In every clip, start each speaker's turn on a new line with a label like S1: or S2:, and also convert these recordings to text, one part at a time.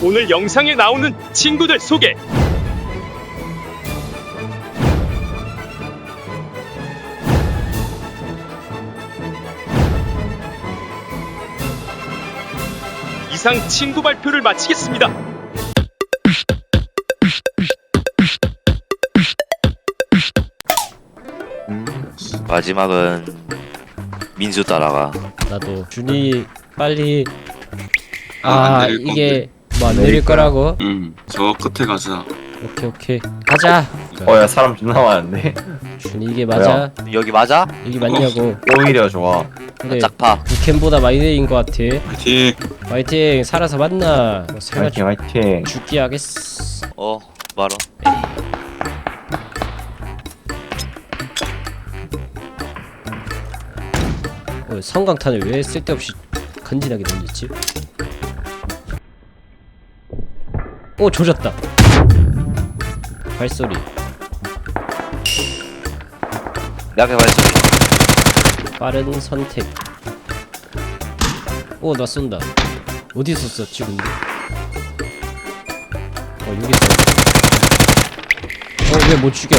S1: 오늘 영상에 나오는 친구들 소개. 이상 친구 발표를 마치겠습니다.
S2: 마지막은 민수 따라가.
S3: 나도 준이 빨리.
S4: 안 내릴
S3: 이게 뭐 안 내릴 거라고?
S4: 저 끝에 가자.
S3: 오케이 가자.
S5: 야 사람 존나 많은데?
S3: 준이 이게 맞아?
S2: 여기 맞아?
S3: 이게 맞냐고.
S5: 오히려 좋아.
S3: 근데
S2: 짝파.
S3: 북캠보다 많이 내린 것 같아.
S4: 파이팅.
S3: 화이팅. 살아서 만나. 뭐 설마
S5: 화이팅 화이팅.
S3: 죽기 하겠어.
S2: 바로.
S3: 성광탄을 왜 쓸데없이 간지나게 던졌지? 조졌다. 발소리.
S2: 약해 발소리.
S3: 빠른 선택. 나 쏜다. 어디서 쐈지 근데? 여기서. 왜 못 죽여?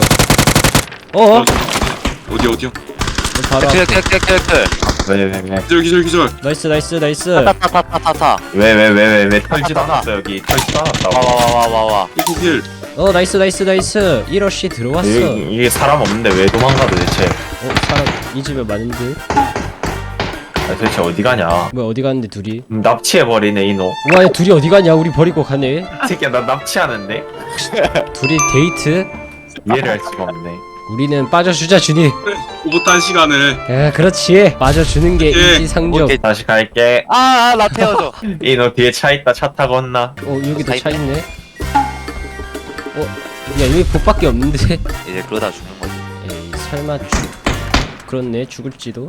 S4: 어디요?
S3: 바로 앞에.
S2: 클.
S5: 왜?
S4: 기절.
S3: 나이스.
S2: 타타타타타타.
S5: 왜 털지도 않았어 여기. 털지도 않았다고.
S2: 와와와와와.
S4: 힐.
S3: 나이스. 1러시 들어왔어.
S5: 이게 사람 없는데 왜 도망가 도대체?
S3: 사람 이 집에 많은데?
S5: 도대체 어디 가냐?
S3: 뭐야 어디 갔는데 둘이?
S5: 납치해버리네 이놈.
S3: 와, 야, 둘이 어디 가냐? 우리 버리고 가네.
S5: 이 새끼야 나 납치하는데?
S3: 둘이 데이트?
S5: 이해를 할 수가 없네.
S3: 우리는 빠져주자 준이.
S4: 오붓한 시간을.
S3: 야, 그렇지. 빠져주는 게
S4: 오케이.
S3: 인지상정.
S2: 오케이.
S5: 다시 갈게.
S2: 나 태워줘.
S5: 이놈 뒤에 차 있다. 차 타고 온나?
S3: 여기도 차 있네. 야, 여기 복밖에 없는데.
S2: 이제 그러다 죽는 거지.
S3: 에이, 설마 그렇네, 죽을지도.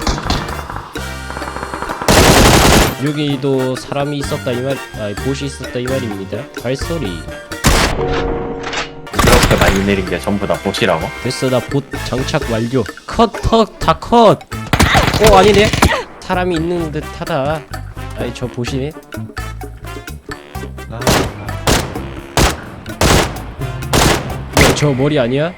S3: 여기도 사람이 있었다 이 말, 보시 있었다 이 말입니다. 발소리.
S5: 그렇게 많이 내린 게 전부 다 보시라고?
S3: 됐어, 나 봇 장착 완료. 다 컷. 아니네. 사람이 있는 듯하다. 저 보시네. 저 머리 아니야?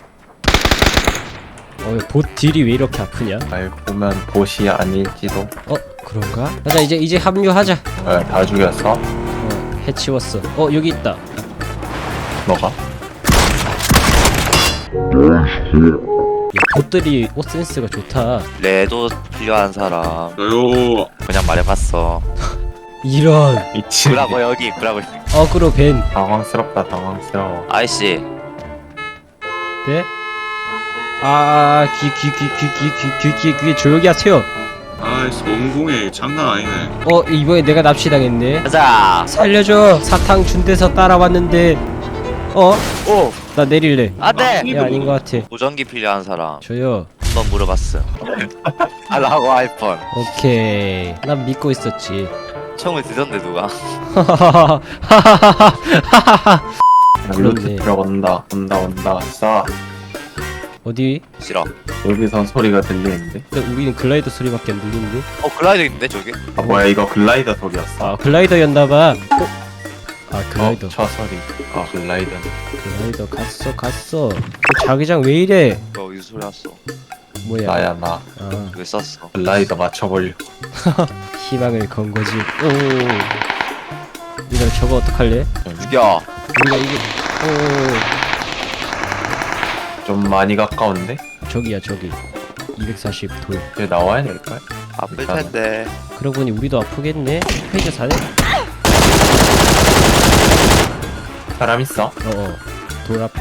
S3: 봇 딜이 왜 이렇게 아프냐?
S5: 알고 보면 보시 아닐지도.
S3: 그런가? 가자, 이제 합류하자.
S5: 다 죽였어?
S3: 해치웠어. 여기 있다.
S5: 너가?
S3: 야, 봇들이 옷 센스가 좋다.
S2: 레도 필요한 사람.
S4: 저요.
S2: 그냥 말해봤어.
S3: 이런.
S5: 미친.
S2: 구라고 여기 구라고.
S3: 어그로 벤.
S5: 당황스럽다 당황스러워.
S2: 아이씨.
S3: 네? 귀 조용히 하세요.
S4: 아이씨 원공에 장난 아니네.
S3: 이번에 내가 납치당했네.
S2: 가자.
S3: 살려줘. 사탕 준 데서 따라왔는데.
S2: 오.
S3: 나 내릴래.
S2: 안돼.
S3: 야, 아닌 것 같아.
S2: 보정기 필요한 사람.
S3: 저요.
S2: 한번 물어봤어. 라고 아이폰.
S3: 오케이. 난 믿고 있었지.
S2: 총을 드셨는데 누가?
S5: 루트
S3: 그렇네.
S5: 들어온다. 온다. 쏴.
S3: 어디?
S2: 싫어.
S5: 여기서 소리가 들리는데?
S3: 근데 우리는 글라이더 소리밖에 안 들리는데?
S2: 글라이더 있는데 저기?
S5: 뭐야 이거 글라이더 소리였어?
S3: 글라이더였나봐. 글라이더.
S5: 저 소리. 글라이더네.
S3: 글라이더 갔어. 그 자기장 왜 이래?
S2: 너 어디서 소리 났어?
S3: 뭐야?
S5: 나야 나.
S2: 왜 썼어?
S5: 글라이더 맞춰보려.
S3: 희망을 건 거지. 우리가 저거 어떡할래?
S2: 죽여.
S3: 우리가 이게
S5: 좀 많이 가까운데?
S3: 저기야 저기 240 돌.
S5: 이제 나와야 될걸?
S2: 아플 텐데.
S3: 그러고 보니 우리도 아프겠네. 페이지 사네.
S5: 사람 있어?
S3: 돌 앞에.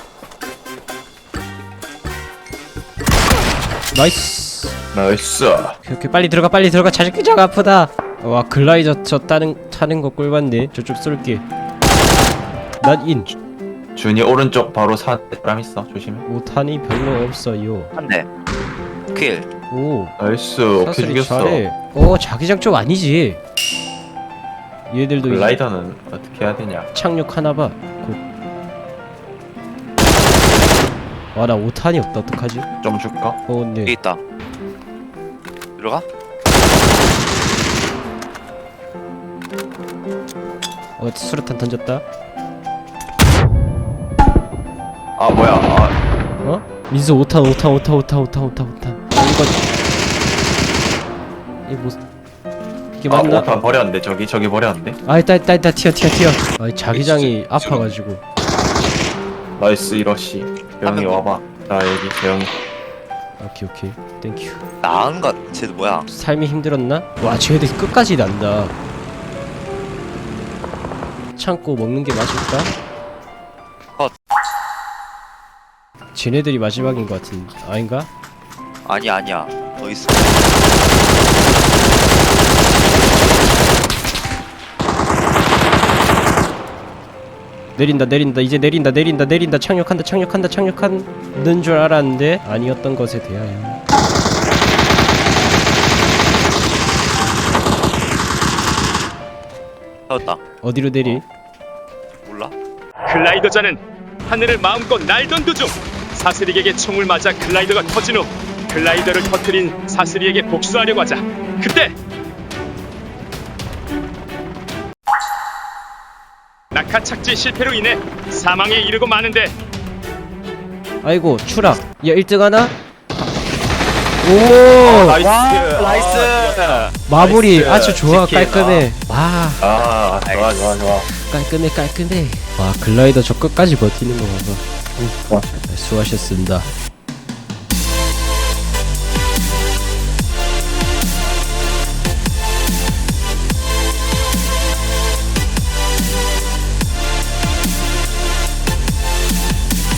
S3: 나이스. 오케이, 빨리 들어가. 자기장 아프다. 와, 글라이더 타는 거 꿀봤네. 저쪽 쏠게. 난 인.
S5: 준이 오른쪽 바로 사람 있어. 조심해.
S3: 오탄이 별로 없어요.
S2: 한 대. 킬.
S5: 나이스. 오케이
S3: 사슬이
S5: 죽였어.
S3: 잘해. 자기장 쪽 아니지. 얘들도 이제
S5: 글라이더는 어떻게 해야 되냐?
S3: 착륙하나봐. 곧. 나 오탄이 없다. 어떡하지?
S5: 좀 줄까?
S3: 네.
S2: 여기 있다. 들어가?
S3: 수류탄 던졌다.
S5: 아 뭐야? 아
S3: 어? 민수 5탄 이거 이게 맞나?
S5: 오탄 버렸는데 저기 버렸는데.
S3: 아 있다 튀어. 아 자기장이 아파가지고.
S5: 나이스 이러시. 재영이 와봐. 자 여기 재영이.
S3: 오케이 땡큐.
S2: 나은 것 쟤도 뭐야?
S3: 삶이 힘들었나? 와 쟤들 끝까지 난다. 참고 먹는 게 맞을까?
S2: 컷.
S3: 쟤네들이 마지막인 것 같은 아닌가?
S2: 아니야. 더 있어.
S3: 내린다 이제 내린다 착륙하는 줄 알았는데 아니었던 것에 대하여.
S2: 세웠다.
S3: 어디로 내리?
S2: 몰라?
S1: 글라이더자는 하늘을 마음껏 날던 도중 사슬릭에게 총을 맞아 글라이더가 터진 후 글라이더를 터뜨린 사슬릭에게 복수하려고 하자 그때 낙하 착지 실패로 인해 사망에 이르고 마는데
S3: 아이고 추락. 야 1등 하나? 오
S2: 나이스.
S3: 마무리
S5: 나이스.
S3: 아주 좋아.
S5: 치킨.
S3: 깔끔해. 와
S5: 아 좋아.
S3: 깔끔해. 와 글라이더 저 끝까지 버티는 거 봐봐. 수고하셨습니다.